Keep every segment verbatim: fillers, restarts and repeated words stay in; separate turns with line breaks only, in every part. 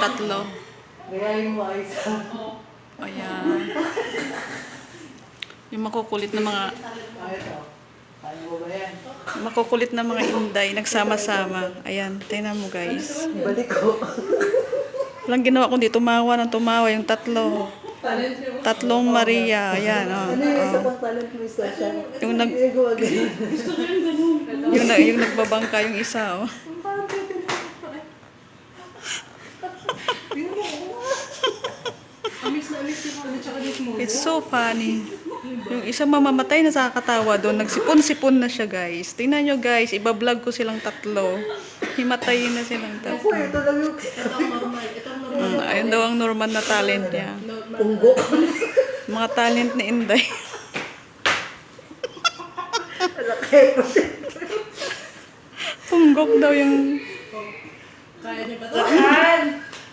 tatlo.
Gayahin mo ay isa.
Ayan. Yung makukulit na mga
Ah, ito. Kaya mo ba yan?
makukulit na mga Inday nagsama-sama. Ayan, tingnan mo guys.
Balik ko.
Walang ginawa kundi tumawa ng tumawa yung tatlo. Tatlong Maria. Ayan, oh.
Ano yung isa pang talent mo isa siya?
Yung nag
Hindi ko ganyan.
yung, na, yung nagbabangka yung isa, oh.
Amis na amis yung ano, tsaka this mo.
It's so funny. Yung isang mamamatay na nakakatawa doon. Nagsipon-sipon na siya, guys. Tingnan nyo, guys. Ibablog ko silang tatlo. Himatayin na silang
Ako,
tatlo.
ito lang yung
Ito ang normal. Ito ang normal.
Mm, ayun daw ang normal na talent niya.
punggo.
Mga talent ni Inday.
Laki.
Punggok daw yung...
Kaya niya ba ito?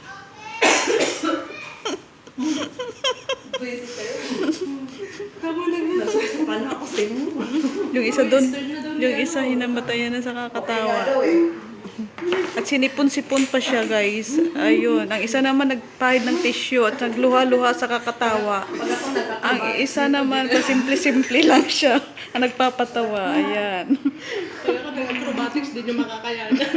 Nasusukan ako sa inyo.
Yung isa doon. Yung isa hinamatayan na sa kakatawa.
Daw eh.
At sinipon-sipon pa siya, guys. Ayun. Ang isa naman nagpahid ng tissue at nagluha-luha sa kakatawa. Ang isa naman, simple-simple lang siya. Ang nagpapatawa. Ayan.
Kaya ka ng acrobatics, di nyo makakayanan.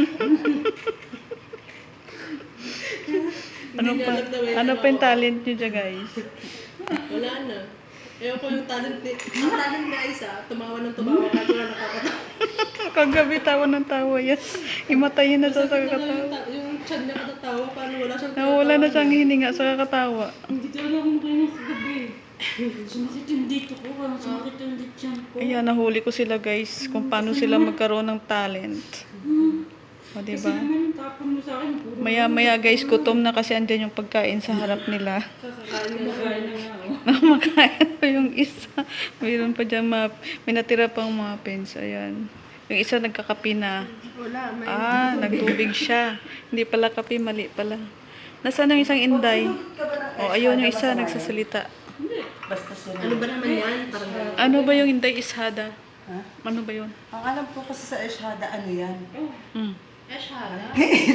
Ano pa, ano pa yung talent niyo dyan, guys?
Wala na. Ewan ko yung talent ni... Ang talent na isa, tumawa ng tumawa kahit wala nakakatawa.
Kagabi tawa ng tawa yan. Himatayin na siya sa
Yung,
kakatawa.
ta- yung chan niya katatawa, paano wala siyang
Nawala na siyang hininga sa kakatawa.
Hindi talaga akong kayo kagabi. Sumakit yung dito ko, parang sumakit yung dito ko.
Ayan, nahuli ko sila, guys. Kung paano sila magkaroon ng talent. O,
Kasi
diba?
naman yung tapon mo sa akin, puro
Maya-maya, guys, gutom na kasi andyan yung pagkain sa harap nila.
kumakain na nga ako.
Namakain ko yung isa. Mayroon pa dyan, mga, may natira pang muffins. Ayan. Yung isa nagkakapi na.
Wala, may...
Ah, nagtubig siya. Hindi pala kape, mali pala. Nasaan ang isang Inday? O, ayun yung isa, nagsasalita.
Basta siya.
Ano ba naman yan? Parang gano'n.
Ano ba yung Inday Ishada?
Ha?
Ano ba yun?
Ang alam ko kasi sa Eshhada, ano yan?
Hmm.
Eh, shara.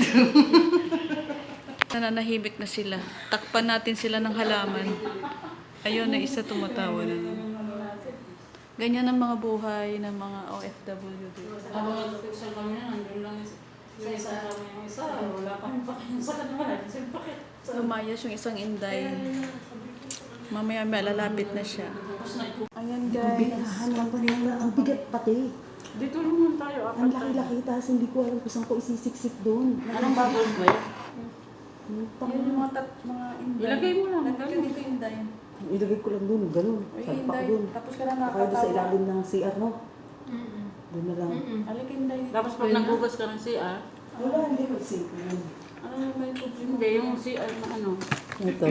Nananahimik na sila. Takpan natin sila ng halaman. Ayun na isa tumatawa na naman. Ganyan ang mga buhay ng mga O F W dito.
Habang nagpipicture kami yan, nandun lang sa isang kami yung isa. Wala kami pakiyan sa kanila. Kasi bakit?
Lumayas yung isang Inday. Mamaya may lalapit na siya.
Tapos nagpo.
Ayan guys.
Ang bigat pati.
Dito naman tayo,
Ang
apat tayo.
laki-laki, tapos hindi ko alam kung saan ko isisiksik doon.
Anong bubbles ba yun?
Yan yung mga, tat, mga Inday.
Ilagay mo lang.
Nagkaka dito Inday.
Ilagay ko lang doon, ganun.
Uy,
Salpak
Inday.
doon.
Tapos ka na
Kaya doon sa
nakakatawa.
ilalim ng C R, no?
Mm-mm.
Doon na lang.
Mm-mm.
Alik Inday dito.
Tapos pag nagugas ka ng C R,
Wala, hindi ko isipin yun.
Ano na ba yung problema?
hindi, yung C R na ano.
Ito.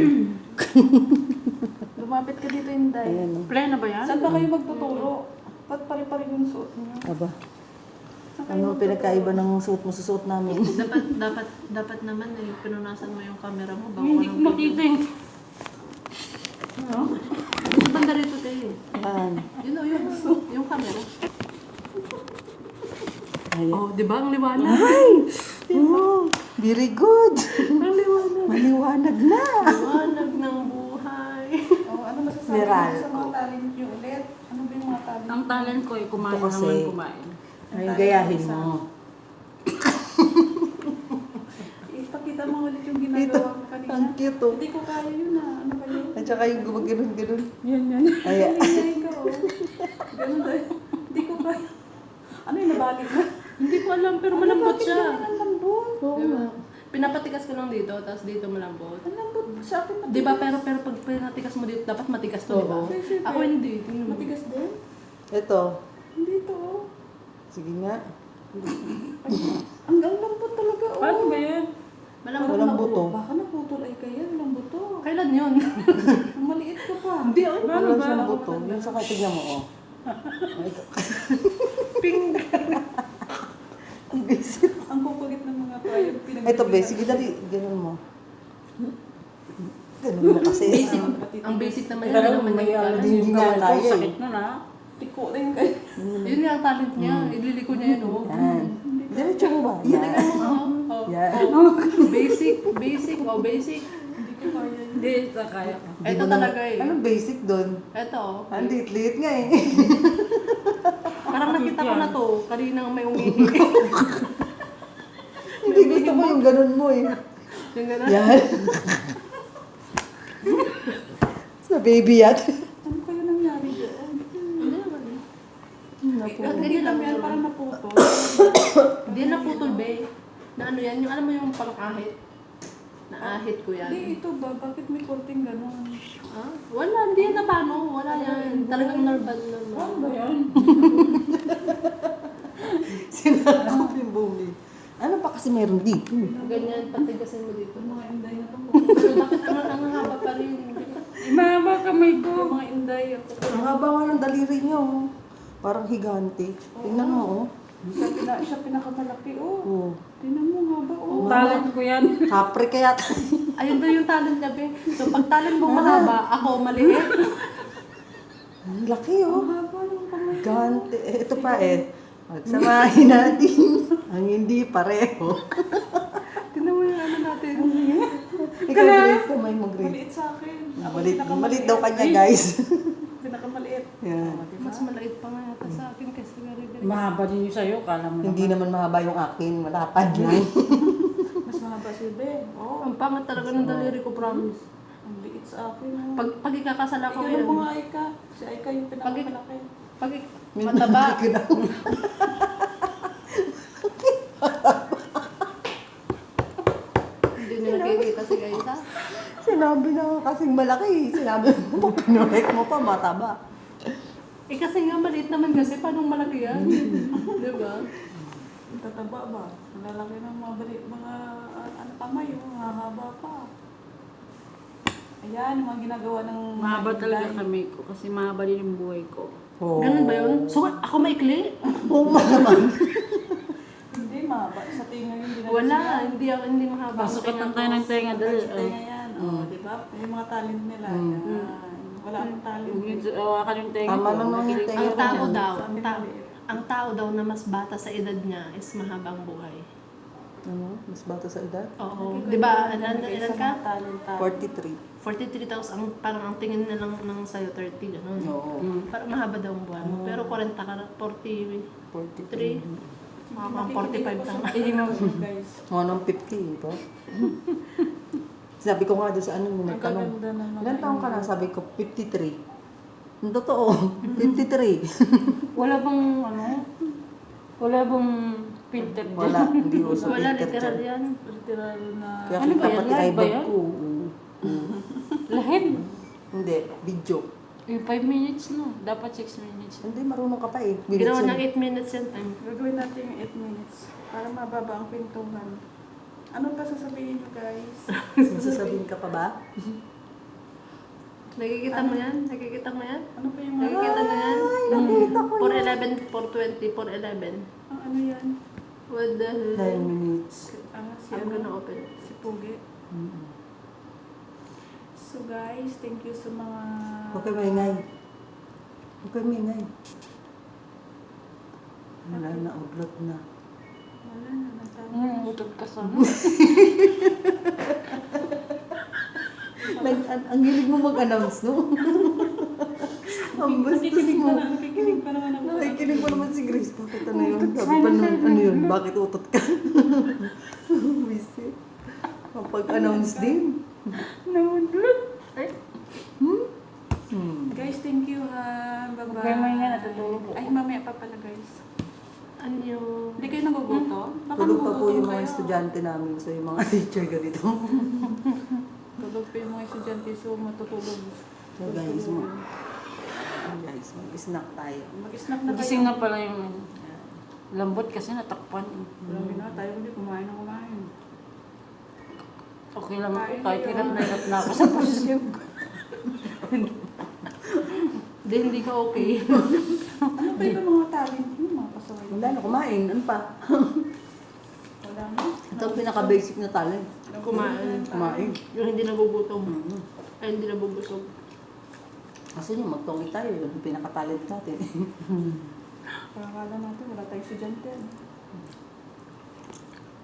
Lumapit ka dito Inday.
Ayan, no?
Plena ba yan?
Saan ba kayo magtuturo? Ba't pare-pare yung suot niya?
Aba. Ano pinagkaiba ng suot mo sa suot namin?
Dapat, dapat, dapat naman eh, pinunasan mo yung camera mo. Bago
Hindi
ka
ko
ng
makita
video.
yung...
Banda rito tayo.
Yan.
Yun o, yung, yung camera.
Ayan.
Oh, di ba? Ang liwanag.
Ay! Oh, very good.
Ang liwanag.
Maliwanag na.
Liwanag ng buhay.
Oh, ano masasabi
Meral.
mo sa mga talent niyo ulit? Ano ba yung mga talent?
Ang talent ko ay kumain
Ito kasi.
naman kumain.
Ay, gayahin mo.
Ipakita mo ulit yung
Ito,
ginagawa ko kanina.
ang cute oh.
Hindi ko kaya yun ah. Ano ba yun?
At saka yung gumagano'n-ganon.
Yan, yan.
Ayan.
Ay, ikaw. Ganun dahil. Hindi ko kaya. Ano yung nabalik na?
Hindi ko alam, pero malambot siya.
Ang lambot.
Oo
Diba?
nga.
Pinapatikas ko lang dito, tapos dito malambot.
Ang lambot sa akin.
Di ba? Pero pero pag pinatikas mo dito, dapat matigas to, di ba?
Oo.
Ako hindi. Tingnan mo.
Matigas din?
Ito.
Hindi to.
Sige nga.
Ang ang lambot talaga. Oh.
Paano ba yan?
Malambot
Walang
na
buto.
Baka naputol ay kaya. Walang buto.
Kailan yun?
Ang maliit ka pa.
Hindi, oh.
Paano
Wala
ba?
siyang buto. Yung sa tignan mo, oh. Ito. Ang basic.
Ang kukulit ng mga tayo.
Ito, basic. Dali, ganun mo. Ganun mo kasi.
Basic. Ang basic naman yun.
Pero
Ano naman
may
yung
alam
talent.
Hindi
yung
nga
kamay ko,
kaya eh.
sakit nun ah.
Tiko rin kayo.
Yun nga ang talent niya. Ililiko niya yun, oh.
Yan.
Hindi ko
Diretso mo ba? Yan.
Oh,
Yan.
oh, basic, basic, oh, basic.
Hindi ko kaya. Hindi, ito kaya ko.
Di
Ito
mo
talaga
naman-
eh.
Anong basic doon?
Ito, oh.
Ang liit-liit nga eh.
Parang nakita ko na to, kaninang may umihi.
Hindi gusto mo yung ganun mo eh.
Yung gano'n.
Yan. Sa baby yan.
Ano kaya nangyari doon?
Hindi naman eh.
Naku.
Ganyan lang yan,
Parang
parang
naputo.
hindi na putol, be. Na ano yan, yung alam mo yung pang-ahit. Naahit ko yan.
Hindi, ito ba? Bakit may korting gano'n?
Ah? Wala, hindi yan na paano. Wala yan. Talagang normal normal.
Ano ba yan?
Sinabi ko yung bumi. Ano pa kasi meron dito?
Ganyan, patigasin mo dito.
Mga inday na to.
Pero bakit ang, ang haba pa rin?
Imaba kamay ko. Mga inday.
Ang haba nga ng daliri niyo. oh. Parang higante. Tingnan mo oh.
Siya, pina, siya pinakamalaki, oh.
Oh.
Tingnan mo, haba, oh.
Talent
ko yan.
Kapre kaya.
Ayun ba yung talent niya, be? So, pag talent mo mahaba, ako maliit.
Ang laki oh.
Haba ng kamay.
Gante. Eh, ito pa eh. Magsamahin natin. Ang hindi pareho.
Tingnan mo yung ano natin.
Ikaw, Grace, kamay mo, Grace.
Maliit sa akin. Ako
Malit,
pinakamaliit.
malit daw kanya, guys.
Pinakamaliit.
Yan.
Mas maliit pa nga yata sa akin kasi very very.
Mahaba din yung sa'yo, kala mo
Hindi naman mahaba yung akin. Malapad lang.
Mas mahaba si Ben.
Oh, ang pangat talaga ng daliri ko, promise.
Ang liit sa akin, oh.
Pag, pag ikakasala ko
Ikaw yung
yun,
mga Aika. Si Aika yung pinakamalaki.
pag ik- mataba, hindi nyo nakikita si Gaisa.
Sinabi na nga kasing malaki. Sinabi mo, pinurek mo pa, mataba.
Eh kasi nga maliit naman kasi, paano malaki yan? Di ba?
Ang tataba ba? Ang lalaki ng mga bali, mga ah, ano kamay, oh. Mahaba pa. Ayan, yung mga ginagawa ng mga
Mahaba talaga
inday.
kami ko kasi mahaba din yung buhay ko.
Oh.
Ganun ba yun? So, ako maikli?
Oo naman.
Hindi, mahaba. Sa tinga yun, hindi na
Wala, hindi ako, hindi mahaba.
Pasukat ng tayo ng tenga, dali.
Sa tinga yan, oh, di ba? Yung mga talent nila. Yan. Wala akong talent.
Yung awakan yung tenga
Tama
ko.
lang naman yung tenga
Ang tao
ko.
daw, ang tao, ang tao daw na mas bata sa edad niya is mahabang buhay.
Ano? Mas bata sa edad?
Oo. Di ba? Ilan, ilan ka?
Talent, talent.
forty-three.
forty-three thousand, ang, parang ang tingin na lang ng sa'yo, thirty, gano'n.
Oo.
Parang mahaba daw ang buhay mo. Pero forty ka na, forty-three.
forty-three.
Mga forty-five ka na.
Hindi mo guys.
Mga nang fifty, ba? Sabi ko nga doon sa ano, yung
Ang
nagtanong.
gaganda ng mga
Ilan taong ka na? Sabi ko, fifty-three. Ang totoo, fifty-three.
Wala bang ano? Wala bang filter dyan?
Wala, hindi uso
Wala,
filter
literal
dyan.
yan.
literal na...
Kaya
Ano
kita
ba yan?
pati
Live ba
eyebag
yan?
ko. oo. Oo.
Lahid.
Hindi, video.
Yung five minutes no. Dapat six minutes.
Hindi, marunong ka pa eh.
Ginawa
Minutes
ng
yun.
eight minutes yan time.
Gagawin natin yung eight minutes para mababa ang kwentuhan. Ano pa sasabihin nyo guys?
Sasabihin ka pa ba?
Nakikita mo yan? Nakikita mo yan?
Ano pa yung mga...
Nakikita mo yan?
Nakita ko
four eleven, four twenty, four eleven.
Ang ano yan?
What the hell?
Nine minutes.
Ah, si
I'm
ano?
gonna open it.
Si Pugi.
Mm.
So guys, thank you sa mga...
Okay, maingay. Okay, maingay. Wala na, uglot na.
Wala na, nagtama.
Hmm, utog ka sa
Like, ang, ang hilig mo mag-announce, no? Ang bastos
Nakikinig
mo.
pa na, nakikinig pa naman ako.
Nakikinig mo naman si Grace. Bakit ano yun? Sabi pa naman, ano yun? Bakit utot ka? Busy. Kapag-announce din.
Naudlot. Ay.
Hmm.
Guys, thank you ha. Bye-bye.
Okay, may nga, natutulog ako.
Ay, mamaya pa pala guys.
Ano yung...
Hindi kayo nagugutom? Baka
Tulog pa po
nagugutom
yung mga
kayo.
estudyante namin. So, yung mga teacher ganito.
Tulog pa yung mga estudyante, so matutulog.
So, guys, mo. Guys, mag-snack tayo.
Mag-snack na kayo.
Gising na pala yung ano. Lambot kasi natakpan. eh.
Grabe na, tayo hindi kumain na kumain.
Okay lang ako. Kahit hirap na hirap na ako sa posisyon ko.
Hindi, hindi ka okay.
Ano pa yung mga talent mo, mga pasaway?
Wala na, kumain. Ano pa?
Wala na.
Ito ang pinaka-basic na talent.
Kumain.
Kumain.
Yung hindi nagugutom.
Mm-hmm.
Ay, hindi nabubusog.
Kasi yung magtongi tayo, yun ang pinaka-talent natin.
Parang akala natin, wala tayong estudyante.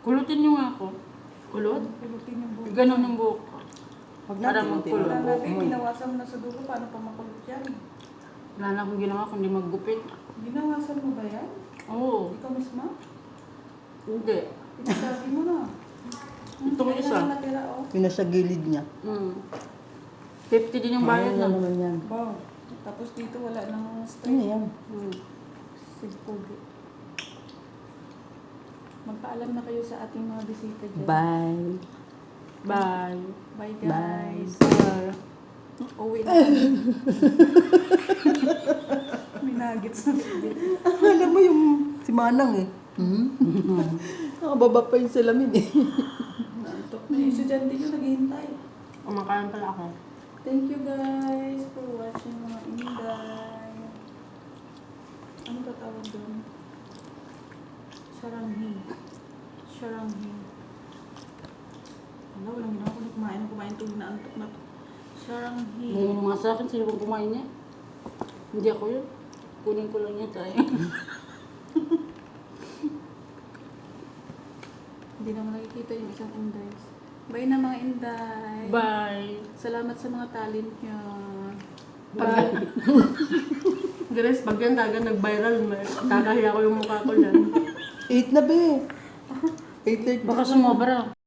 Pulutin niyo nga ako. Kulot?
Pulutin yung buhok.
Ganon yung buhok ko.
Huwag
Para
natin
magkulot.
Wala
buhok
natin,
mo.
binawasan mo na sa dulo. Paano pa makulot yan?
Wala na akong ginawa kundi maggupit.
Binawasan mo ba yan?
Oo.
Ikaw mismo?
Hindi.
Pinasabi mo na.
Itong
Kaya
isa.
lang natira, oh.
Yung nasa gilid niya.
Hmm. fifty din yung bayad
Ano
na.
naman yan?
Wow. Tapos dito wala nang
Ano
straight.
yan?
Hmm.
Sigpogi. Magpaalam na kayo sa ating mga bisita dyan.
Bye.
Bye.
Bye guys.
Bye.
Uwi na kami. May nuggets na bibig.
Alam mo yung si Manang eh. Hmm? Nakababa pa yung salamin eh.
Nantok na yung estudyante nyo naghihintay.
Kumakain pala ako.
Thank you guys for watching mga Inday. Ano ba tawag doon? Saranghi. Saranghi. Wala, walang ginawa ko na kumain. Kumain tulog na antok na to. Saranghi.
Ngayon mga sa akin, sino bang kumain niya? Hindi ako yun. Kunin ko lang niya tayo.
Hindi naman nakikita yung isang Inday. Bye na mga Inday.
Bye.
Salamat sa mga talent nyo.
Pag, Grace, pag yan talaga nag-viral, may- kakahiya ko yung mukha ko dyan.
Eight na be. Eight thirty.
Baka sumobra.